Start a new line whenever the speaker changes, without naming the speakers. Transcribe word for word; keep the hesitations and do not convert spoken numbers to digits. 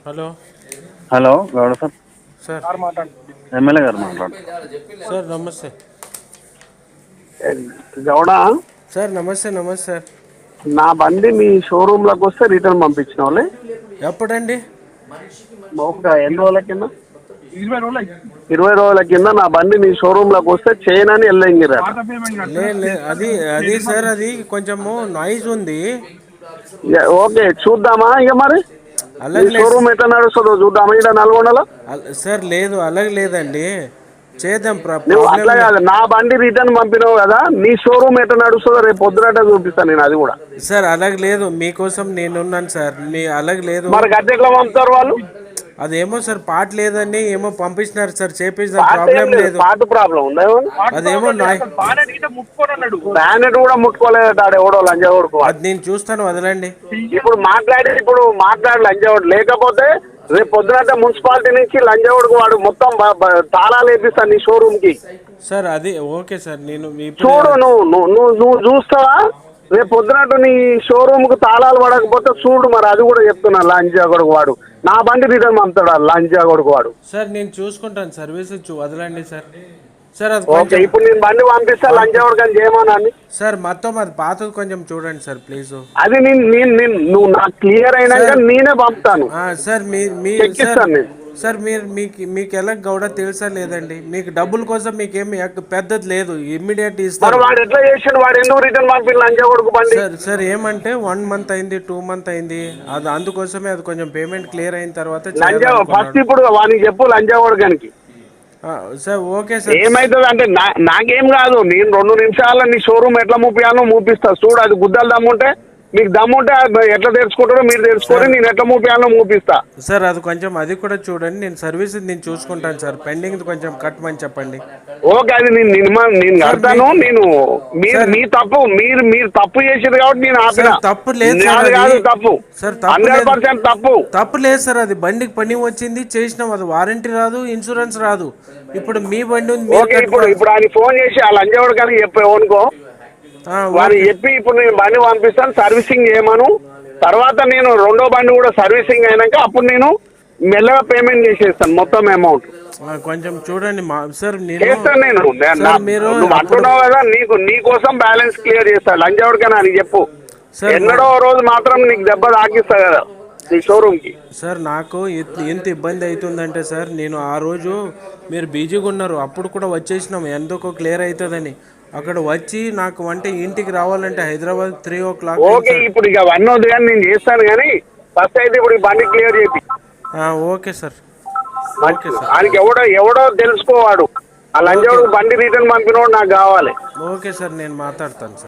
Hello
hello Gowda sir,
sir
MLA గారు మాట్లాడు.
Sir నమస్తే
గౌడ,
సార్ నమస్తే నమస్తే సార్.
నా బండి మీ షోరూంలోకి వస్తే రిటర్న్ పంపించిన వాళ్ళే
ఎప్పుడండి?
ఒక ఎన్ని రోజుల కింద ఇరవై రోజుల ఇరవై రోజుల కింద నా బండి మీ షోరూంలోకి వస్తే చేయనని వెళ్ళంగిరా.
లే లే అది అది సార్ అది కొంచెము నాయిస్ ఉంది.
ఓకే చూద్దామా ఇక మరి మీ
అలాగే లేదు
షోరూమ్ ఎట్లా నడుస్తుందో చూద్దామా ఇక్కడ నల్గొండలో.
సార్. లేదు అలాగే లేదండి, చేద్దాం.
నువ్వు
ప్రాబ్లం
అట్లా
లేదు
కాదు, నా బండి రిటర్న్ పంపినావు కదా, నీ షోరూమ్ ఎట్లా నడుస్తుందో రేపు పొద్దునట్టే చూపిస్తాను నేను అది కూడా.
సార్ అలాగే లేదు, మీకోసం నేనున్నాను సార్. మీ అలాగే లేదు.
మరి గద్దె ఎట్లా పంపుతారు వాళ్ళు?
అదేమో సార్ పాట లేదని ఏమో పంపిస్తున్నారు సార్, చేపిస్తాం.
పాట ఏం
ప్రాబ్లం
లేదు,
లేదు.
పాట ప్రాబ్లం ఉందా?
అదేమో నాయ్
బ్యానెట్ కూడా ముట్టుకోలేదు ఆడ ఎవడో లంజావుడుకు.
అది నేను చూస్తాను, వదలండి.
ఇప్పుడు మాట్లాడి ఇప్పుడు మాట్లాడి లంజావుడు లేకపోతే రేపు పొద్దునంటే మున్సిపాలిటీ నుంచి లంజావుడుకు వాడు మొత్తం బ- బ- తాళాలు వేపిస్తాను నీ షోరూమ్ కి.
సార్ అది ఓకే సార్. నేను ఇప్పుడు
చూడు, నువ్వు నువ్వు నువ్వు నువ్వు చూస్తావా? రేపు పొద్దునట్టు నీ షోరూమ్ కు తాళాలు పడకపోతే చూడు, మరి అది కూడా చెప్తున్నా. లంజా కొడుకు వాడు నా బండి రిటర్న్ పంపుతాడు, లంజా కొడుకు వాడు.
సార్ నేను చూసుకుంటాను, సర్వీస్ చూ వదలండి సార్. సార్ అది
ఓకే,
కొంచెం
ఇప్పుడు నేను బండి పంపిస్తా లంజా కొడుకు అని చేయమని.
సార్ మొత్తం అది పాతది కొంచెం చూడండి సార్ ప్లీజ్.
అది నేను నేను నేను నువ్వు నాకు క్లియర్ అయినాక
సార్.
నేనే పంపుతాను,
సార్ మీ మీ సార్
చెక్కిస్తాను నేను.
సార్ మీరు మీకు మీకు ఎలా గౌడ తెలుసా లేదండి? మీకు డబ్బుల కోసం మీకేమి ఎక్క- పెద్దది లేదు, ఇమ్మీడియట్
మరి
ఇస్తారు.
వాడు ఎట్లా చేసాడు? వాడు ఎందుకు రిటర్న్ పంపి లంజా కొడుకు బండి?
సార్ సార్ ఏమంటే వన్ మంత్ అయింది, టూ మంత్ అయింది, అది అందుకోసమే అది కొంచెం పేమెంట్ క్లియర్ అయిన తర్వాత
లంజా ఫస్ట్
చేయాలనుకున్నాను.
ఇప్పుడు వానికి చెప్పు లంజా కొడుకానికి
ఆ, సార్ ఓకే సార్.
ఏమైతుంది అంటే నా నాకేం కాదు, నేను రెండు నిమిషాల్లో నీ షోరూమ్ ఎట్లా మూపియాలో మూపిస్తా. చూడు, అది గుద్దలు దమ్ముంటే మీకు దమ్ముంటే అది ఎట్లా తెరుచుకుంటారో మీరు తెరుచుకొని నేను ఎట్లా మూపియాలో మూపిస్తా.
సార్ అది కొంచెం అది కూడా చూడండి, నేను సర్వీస్ నేను చూసుకుంటాను సార్. పెండింగ్ కొంచెం కట్టమని చెప్పండి.
ఓకే, అది నేను నేను నేను కడతాను. నేను మీరు
సార్.
మీ తప్పు, మీరు మీరు తప్పు చేసేది కాబట్టి నేను ఆపిన.
సార్, తప్పు లేదు సార్,
నాది
అది-
కాదు తప్పు,
సార్, తప్పు
హండ్రెడ్
లేదు.
పర్సెంట్ తప్పు.
తప్పు లేదు సార్, అది బండికి పని వచ్చింది చేసినాం, అది వారంటీ రాదు, ఇన్సూరెన్స్ రాదు. ఇప్పుడు మీ బండి ఉంది, మీరు
ఓకే, ఇప్పుడు
కట్టుకోవాలి.
ఇప్పుడు ఆయన ఫోన్ చేసి ఆ లంజావుడు కానీ చెప్పావు అనుకో,
ఆ,
వారు
ఓకే.
చెప్పి ఇప్పుడు నేను బండి పంపిస్తాను సర్వీసింగ్ చేయమను. తర్వాత నేను రెండో బండి కూడా సర్వీసింగ్ అయినాక అప్పుడు నేను మెల్లగా పేమెంట్ చేసేస్తాను మొత్తం అమౌంట్.
ఆ, కొంచెం చూడండి మా సార్. నేను
చేస్తాను నేను. నేను
సార్,
నా-
మీరు
నువ్వు
అప్పుడు-
అంటున్నావు కదా, నీకు నీ కోసం బ్యాలెన్స్ క్లియర్ చేస్తా. లంజావుడికైనా అని చెప్పు,
సార్,
ఎన్నడో రోజు మాత్రం నీకు దెబ్బ తాకిస్తా కదా నీ షోరూమ్ కి.
సార్ నాకు ఎత్- ఎంత ఇబ్బంది అవుతుందంటే సార్, నేను ఆ రోజు మీరు బిజీగా ఉన్నారు, అప్పుడు కూడా వచ్చేసినాం ఎందుకో క్లియర్ అవుతుందని. అక్కడ వచ్చి నాకు అంటే ఇంటికి రావాలంటే Hyderabad three o'clock
okay, ఇప్పుడు ఇక అవన్నీ వద్దు కానీ నేను చేస్తాను. కానీ ఫస్ట్ అయితే ఇప్పుడు ఈ బండి క్లియర్ చేపి.
Okay sir. Okay sir.
ఆయనకి ఎవడో ఎవడో తెలుసుకోవాడు, ఆ లంజావుడు బండి రిటర్న్ పంపినోడు నాకు కావాలి.
ఓకే సార్, నేను మాట్లాడతాను సార్.